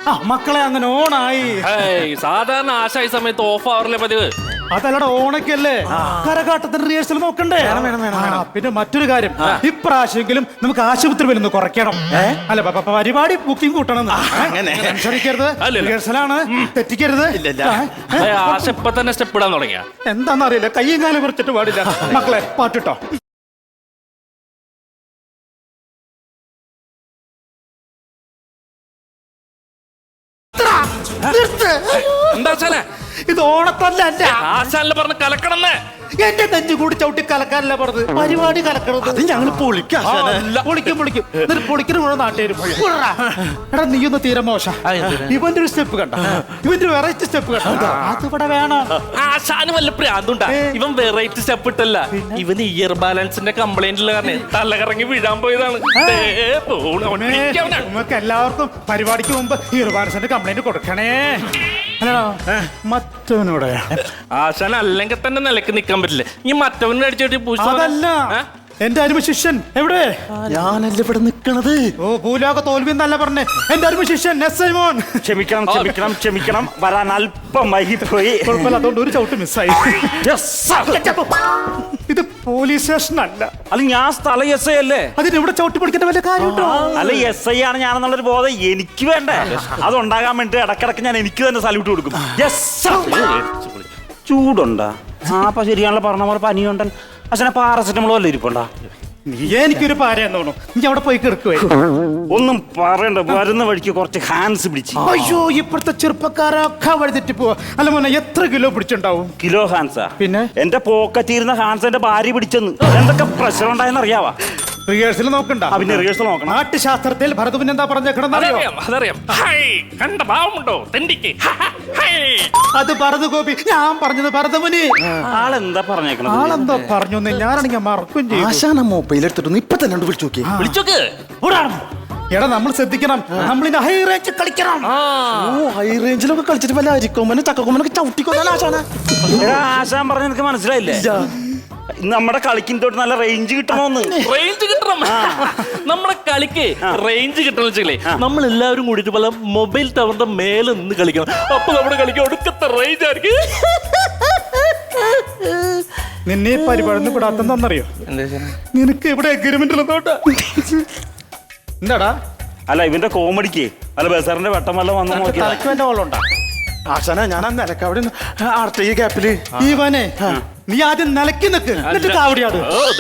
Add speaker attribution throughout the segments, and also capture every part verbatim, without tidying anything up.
Speaker 1: ആ മക്കളെ അങ്ങനെ ഓണായി.
Speaker 2: സാധാരണ ആശായ സമയത്ത് ഓഫ് ആവറില്ലേ പതിവ്?
Speaker 1: അതല്ലട ഓണക്കല്ലേ, കരകാട്ടത്തിന്റെ റിഹേഴ്സൽ നോക്കണ്ടേ? പിന്നെ മറ്റൊരു കാര്യം, ഇപ്രാവശ്യമെങ്കിലും നമുക്ക് ആശുപത്രി വരുന്ന കുറയ്ക്കണം. അല്ല പരിപാടി ബുക്കിംഗ് കൂട്ടണം. ക്ഷണിക്കരുത്, റിഹേഴ്സലാണ്, തെറ്റിക്കരുത്.
Speaker 2: ആശ ഇപ്പൊ തന്നെ സ്റ്റെപ്പ് ഇടാൻ തുടങ്ങിയ
Speaker 1: എന്താന്നറിയില്ല, കയ്യും കാലം കുറച്ചിട്ട് പാടില്ല. മക്കളെ പാട്ടിട്ടോ.
Speaker 2: എന്താ ആശാനെ
Speaker 1: ഇത് ഓണത്തല്ല,
Speaker 2: ആശാനില് പറഞ്ഞ് കലക്കണമെന്ന്.
Speaker 1: എന്റെ നെഞ്ചു കൂടി ചവിട്ടി കലക്കാനല്ല പറഞ്ഞത്, പരിപാടി കലക്കണത്. അത് ഞങ്ങൾ പൊളിക്കും പൊളിക്കും പൊളിക്കും എന്നിട്ട് പൊളിക്കുന്ന മുഴുവൻ നാട്ടുകാരും. എടാ നീ ഒന്ന് തീരെ മോശ. ഇവന്റെ ഒരു സ്റ്റെപ്പ് കണ്ട, ഇവന്റെ വെറൈറ്റി സ്റ്റെപ്പ് കണ്ട, അതിവിടെ വേണം.
Speaker 2: ആശാന് വല്ല പ്രാന്തുണ്ടാ? ഇവൻ വെറൈറ്റി സ്റ്റെപ്പ് ഇട്ടല്ല, ഇവന് ഇയർ ബാലൻസിന്റെ കംപ്ലൈന്റ് ഉള്ള കാരണം തലകറങ്ങി വീഴാൻ പോയതാണ്.
Speaker 1: നമുക്ക് എല്ലാവർക്കും പരിപാടിക്ക് മുമ്പ് ഇയർ ബാലൻസിന്റെ കംപ്ലൈന്റ് കൊടുക്കണേ. മറ്റവനോടെ
Speaker 2: ആശാൻ അല്ലെങ്കിൽ തന്നെ നിലക്ക് നിക്കാൻ പറ്റില്ല. ഈ മറ്റവനെ അടിച്ചോട്ടി
Speaker 1: അതല്ല, എന്റെ അരുമ ശിഷ്യൻ എവിടെ?
Speaker 3: ഞാനല്ല ഇവിടെ നിക്കണത്.
Speaker 1: ഓ ഭൂലോക തോൽവി എന്നല്ല പറഞ്ഞേ, എന്റെ അരുമ ശിഷ്യൻ എസ് ഐ മോൻ.
Speaker 3: ക്ഷമിക്കണം ക്ഷമിക്കണം ക്ഷമിക്കണം, വരാൻ അല്പം വൈകിപ്പോയി.
Speaker 1: കുഴപ്പമില്ല, അതുകൊണ്ട് ഒരു ചവിട്ട് മിസ്സായി. ഇത് പോലീസ് സ്റ്റേഷൻ അല്ല.
Speaker 3: അല്ല ഞാൻ സ്ഥല എസ് ഐ അല്ലേ,
Speaker 1: അതിന് ഇവിടെ ചവിട്ടി പിടിക്കേണ്ട വല്ല കാര്യമുണ്ടോ?
Speaker 3: അല്ല എസ് ഐ ആണ് ഞാനെന്നുള്ളൊരു ബോധം എനിക്ക് വേണ്ടേ? അതുണ്ടാകാൻ വേണ്ടി ഇടക്കിടക്ക് ഞാൻ എനിക്ക് തന്നെ സല്യൂട്ട് കൊടുക്കും. ചൂടുണ്ടാ? ആ അപ്പൊ ശരിയാണല്ലോ പറഞ്ഞ പോലെ പനിയുണ്ടൻ. അച്ഛനെ പാരസെറ്റമോളോ അല്ലേ ഇരിപ്പുണ്ടാ?
Speaker 1: നീ എനിക്കൊരു പാരയെന്ന് തോന്നുന്നു, നീ അവിടെ പോയി കിടക്കുവേ.
Speaker 3: ഒന്നും പറയണ്ട, വരുന്ന വഴിക്ക് കുറച്ച് ഹാൻഡ്സ് പിടിച്ച്.
Speaker 1: അയ്യോ ഇപ്പോഴത്തെ ചെറുപ്പക്കാരൊക്കെ വഴിതെറ്റി പോവാ. അല്ല മോനെ എത്ര കിലോ പിടിച്ചിട്ടുണ്ടാവും?
Speaker 3: കിലോ ഹാൻസാ?
Speaker 1: പിന്നെ
Speaker 3: എന്റെ പോക്കറ്റിരുന്ന ഹാൻസ് എന്റെ ഭാര്യ പിടിച്ചെന്ന്. എന്തൊക്കെ പ്രഷർ ഉണ്ടായെന്ന് അറിയാവാ?
Speaker 1: റിഹേഴ്സൽ നോക്കണ്ട,
Speaker 3: പിന്നെ റിഹേഴ്സൽ നോക്കണം.
Speaker 1: നാട്യശാസ്ത്രത്തിൽ ഭരതമുൻ എന്താ പറഞ്ഞേക്കണെന്നറിയോ?
Speaker 2: അതറിയാം. കണ്ട ഭാവമുണ്ടോ തെണ്ടിക്ക്?
Speaker 1: അത് ഭരത ഗോപി, ഞാൻ പറഞ്ഞത് ഭരതമുനി.
Speaker 3: ആളെന്താ പറഞ്ഞേക്കണത്?
Speaker 1: ആളെന്താ പറഞ്ഞു ഞാനാണെങ്കിൽ മറക്കും ചെയ്യും.
Speaker 3: ആശാന മൊബൈൽ എടുത്തിട്ടൊന്ന് ഇപ്പൊ തന്നെ വിളിച്ചു നോക്കി.
Speaker 2: വിളിച്ചോക്ക്.
Speaker 1: എടാ നമ്മൾ ശ്രദ്ധിക്കണം, നമ്മളിന്ന് ഹൈ റേഞ്ച് കളിക്കണം.
Speaker 3: ഓ ഹൈ റേഞ്ചിലൊക്കെ കളിച്ചിട്ട് വല്ല അരിക്കൊമ്പനും ചക്കക്കൊമ്പനൊക്കെ ചവിട്ടിക്കൊണ്ടാണ് ആശാന. ആശാൻ പറഞ്ഞ എനിക്ക് മനസ്സിലായില്ലേ? നമ്മുടെ കളിക്കും തൊട്ട് നല്ല റേഞ്ച് കിട്ടണമെന്ന്.
Speaker 2: റേഞ്ച് കിട്ടണം. നമ്മുടെ കളിക്ക് റേഞ്ച് കിട്ടണം വെച്ചേ നമ്മൾ എല്ലാവരും കൂടിയിട്ട് പല മൊബൈൽ ടവറിന്റെ മേലെ നിന്ന് കളിക്കണം. അപ്പൊ നമ്മുടെ കളിക്ക് ഒടുക്കത്തെ റേഞ്ച് ആയിരിക്കും.
Speaker 1: നിന്നെ പരിപാടി വിടാത്തെന്നറിയോ? നിനക്ക് ഇവിടെ എഗ്രിമെന്റ് ഉള്ളതോട്ടാ. എന്താടാ?
Speaker 3: അല്ല ഇവന്റെ കോമഡിക്ക് അല്ല ബസാറിന്റെ വെട്ടം വല്ല വന്നു നോക്കിയാ
Speaker 1: ആശാന ഞാൻ നിലക്ക് അവിടെ ഈ ഗ്യാപ്പില് ഇവനെ നീ ആദ്യം നിലക്കി നിൽക്ക്, എന്നിട്ട് കാവടിയാട്.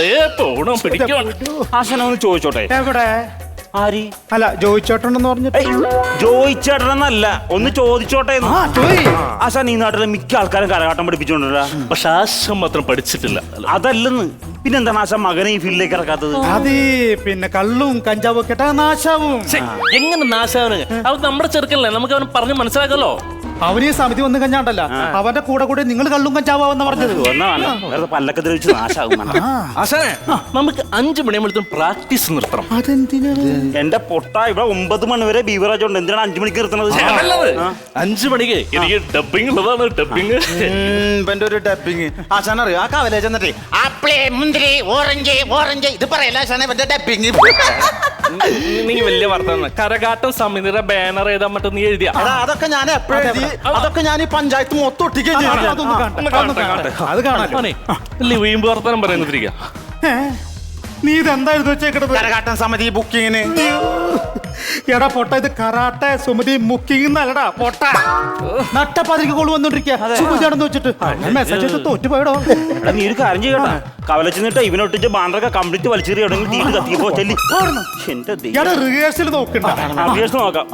Speaker 3: ആശാന ഒന്ന് ചോദിച്ചോട്ടെ.
Speaker 1: എവിടെ?
Speaker 3: ആരി?
Speaker 1: അല്ല ജോയിച്ചോട്ടെന്ന് പറഞ്ഞിട്ട്.
Speaker 3: ജോയിച്ചേട്ടനെന്നല്ല, ഒന്ന് ചോദിച്ചോട്ടെ. ആശാൻ ഈ നാട്ടിലെ മിക്ക ആൾക്കാരും കരകാട്ടം പഠിപ്പിച്ചോണ്ടല്ല,
Speaker 2: പക്ഷെ ആശം മാത്രം പഠിച്ചിട്ടില്ല.
Speaker 3: അതല്ലെന്ന് പിന്നെന്താണ് ആശാൻ മകനെ ഈ ഫീൽഡിലേക്ക് ഇറക്കാത്തത്?
Speaker 1: അത് പിന്നെ കള്ളും കഞ്ചാവും ഒക്കെ ഇട്ടാ നാശാവും.
Speaker 2: എങ്ങനെ നാശാവന്? അത് നമ്മുടെ ചെറുക്കല്ലേ, നമുക്ക് അവന് പറഞ്ഞ് മനസ്സിലാക്കല്ലോ.
Speaker 1: അവന് ഈ സമിതി വന്നു കഴിഞ്ഞാണ്ടല്ല, അവന്റെ കൂടെ കൂടെ നിങ്ങൾ കള്ളും കഞ്ചാവാന്ന് പറഞ്ഞത്.
Speaker 3: പല്ലൊക്കെ ദ്രവിച്ച് നാശാവും.
Speaker 2: ആശാനെ നമുക്ക് അഞ്ചു മണിയാകുമ്പോഴത്തേക്കും പ്രാക്ടീസ് നിർത്തണം.
Speaker 1: അതെന്തിനാണ്?
Speaker 3: എന്റെ പൊട്ട ഇവിടെ ഒമ്പത് മണി വരെ ബീവറേജ് ഉണ്ട്, എന്തിനാണ് അഞ്ചു മണിക്ക് നിർത്തുന്നത്?
Speaker 2: അഞ്ചു മണിക്ക് എനിക്ക് ഡബിങ് ഉള്ളതാണ്. ഡബിങ്
Speaker 3: ഇവന്റെ ഒരു ഡബിങ് ആശാൻ അറിയോ? ആ കവലേജ് എന്നിട്ട് ആപ്പിള് മുന്തിരി ഓറഞ്ച് ഓറഞ്ച് ഇത് പറയല്ല ആശാനെ ഇവന്റെ ഡബിങ്.
Speaker 2: നീ വലിയ വർത്തമാനം. കരകാട്ടം സമിതിയുടെ ബാനർ എഴുതാൻ പറ്റും നീ എഴുതിയ
Speaker 3: അതൊക്കെ ഞാൻ എപ്പോഴും അതൊക്കെ ഞാൻ ഈ പഞ്ചായത്ത് മൊത്തം ഒട്ടിക്കുകയും
Speaker 1: അത് കാണാൻ
Speaker 2: വീമ്പ് വർത്തമാനം പറയുന്നിരിക്ക.
Speaker 1: നീ ഇതെന്തായിരുന്നു വെച്ചേക്കണത്?
Speaker 3: കരകാട്ടം സമിതി ബുക്കിങ്ങിന്.
Speaker 1: എടാ പൊട്ട, ഇത് കരാട്ടെ സുമതി ബുക്കിംഗ് എന്നല്ലടാ പൊട്ട. നട്ടപ്പാതിരിക്ക് കോള് വന്നോണ്ടിരിക്കുക സുമതിയാണെന്ന് വെച്ചിട്ട് മെസ്സേജ് തോറ്റുപോയടോ.
Speaker 3: നീ ഒരു കാര്യം ചെയ്യട്ടാ, കവലച്ചിട്ട് ഇവനൊട്ടിച്ച് ബാൻഡറൊക്കെ കംപ്ലീറ്റ് വലിച്ചെറി എവിടെയെങ്കിലും തീട്ട് കത്തിപ്പോ ചെല്ലി.
Speaker 1: എടാ റിഹേഴ്സൽ നോക്കണ്ട,
Speaker 3: റിഹേഴ്സൽ നോക്കാം.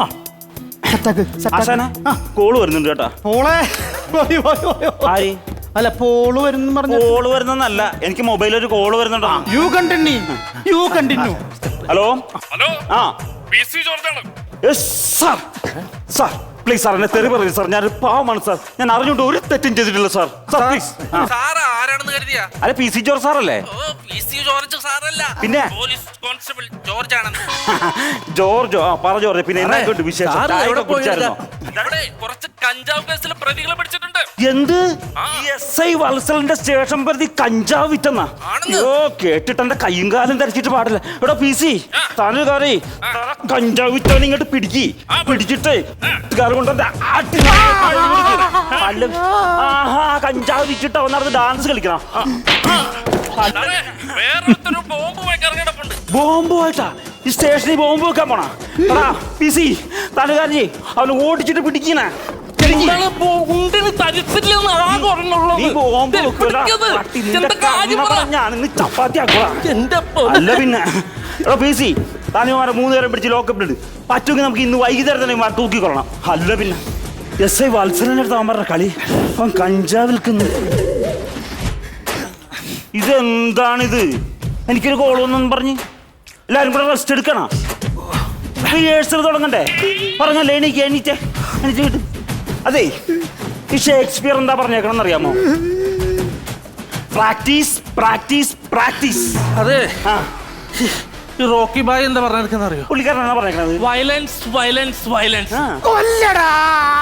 Speaker 3: കോള് വരുന്നുണ്ട് കേട്ടാ.
Speaker 1: പോളെ
Speaker 3: ആര്?
Speaker 1: അല്ല പോള് വരുന്ന പറഞ്ഞു.
Speaker 3: കോള് വരുന്നല്ല, എനിക്ക് മൊബൈലിൽ ഒരു കോള് വരുന്നുണ്ടോ?
Speaker 1: You continue you continue
Speaker 3: hello
Speaker 2: hello
Speaker 3: ആ
Speaker 2: പി സി ജോർജാണ്.
Speaker 3: സാർ സാർ പ്ലീസ് സാർ എന്നെ തെറി പറയരുത് സാർ, ഞാൻ പാവമാണ് സാർ, ഞാൻ അറിഞ്ഞുകൊണ്ട് ഒരു തെറ്റും ചെയ്തിട്ടില്ല സാർ. Sir please.
Speaker 2: ആരാണെന്ന് കരുതിയാ?
Speaker 3: അല്ല പി സി ജോർജ് സാർ അല്ലേ?
Speaker 2: ജോർജ് സാറല്ല,
Speaker 3: പിന്നെ?
Speaker 2: പോലീസ് കോൺസ്റ്റബിൾ ജോർജ് ആണെന്ന്.
Speaker 3: ജോർജോ ആ പറ ജോർജ്, പിന്നെ എന്നാ വിശേഷം?
Speaker 2: സാറ്
Speaker 3: ചായ
Speaker 2: എവിടെ
Speaker 3: ഒക്കെ കുടിച്ചായിരുന്നോ?
Speaker 2: ഇവിടെ കുറച്ച് കഞ്ചാവ് കേസിലെ പ്രതികളെ പിടിച്ചിട്ടുണ്ട്.
Speaker 3: എന്ത്
Speaker 2: ആ.
Speaker 3: എസ് ഐ വത്സലിന്റെ സ്റ്റേഷൻ പ്രതി കഞ്ചാവ് വിറ്റെന്നാ?
Speaker 2: ആണെന്ന്.
Speaker 3: അയ്യോ കേട്ടിട്ട് എന്റെ കയ്യും കാലും ധരിച്ചിട്ട് പാടില്ല. ഇവിടെ പി സി
Speaker 2: ആ.
Speaker 3: താനൊരു കാറി കഞ്ചാവ് വിറ്റവൻ ഇങ്ങോട്ട് പിടിക്കി
Speaker 2: ആ,
Speaker 3: പിടിച്ചിട്ട് കാറ് കൊണ്ട് ആട്ടി അല്ല ആഹാ കഞ്ചാവ് വിറ്റിട്ട് അവൻ നടന്ന് ഡാൻസ് കളിക്കണം.
Speaker 2: സാറേ, വേറൊരുത്തരും ബോംബ് ഇറങ്ങിയിടപ്പുണ്ട്.
Speaker 3: ബോംബ് പോയിട്ടാ ഈ സ്റ്റേഷനിൽ ബോംബ് വെക്കാൻ പോണ എടാ പി സി താനുകാരി അവന് ഓടിച്ചിട്ട് പിടിക്കണ
Speaker 2: നിങ്ങള് ബോ- ഉണ്ടിന് തരിച്ചില്ലെന്ന് ആകെ ഒരെണ്ണമുള്ളത്.
Speaker 3: നീ ബോംബ്
Speaker 2: ദേ,
Speaker 3: വെക്കൂടാ.
Speaker 2: പിടിക്കത്.
Speaker 3: പട്ടി, നിന്റെ
Speaker 2: എന്താ കാര്യം
Speaker 3: കണ്ണ
Speaker 2: പറ.
Speaker 3: പറഞ്ഞാണ് നീ ചപ്പാത്തി ആക്കുക.
Speaker 2: എന്റെ പൊന്നേ.
Speaker 3: അല്ല പിന്നെ എടാ പി സി താനുമാരെ മൂന്ന് നേരം പിടിച്ച് ലോക്കപ്പിലിട്ട് പറ്റുമെങ്കിൽ നമുക്ക് ഇന്ന് വൈകുന്നേരം തന്നെ ഇവന്മാരെ തൂക്കിക്കൊള്ളണം. അല്ല പിന്നെ എസ് ഐ വത്സരന്റെ അടുത്ത് അവൻ പറഞ്ഞ കളി അവൻ കഞ്ചാവ് വിൽക്കുന്നു. ഇതെന്താണിത്? എനിക്കൊരു കോളൊന്നും പറഞ്ഞ് എല്ലാരും കൂടെ റെസ്റ്റ് എടുക്കണം. റിഹേഴ്സൽ തുടങ്ങണ്ടേ? പറഞ്ഞല്ലേ എനിക്ക് എണീറ്റേ എണീറ്റ് കിട്ടും. അതെ ഈ ഷേക്സ്പിയർ എന്താ പറഞ്ഞേക്കണം അറിയാമോ? Practice practice practice.
Speaker 2: അതെ,
Speaker 3: ആ
Speaker 2: ഈ റോക്കി ബായ് എന്താ പറഞ്ഞെടുക്കുന്ന അറിയോ?
Speaker 3: പുള്ളിക്കാരനാണ് പറഞ്ഞേക്കണത്.
Speaker 2: Violence violence violence.
Speaker 3: ആ
Speaker 1: കൊല്ലടാ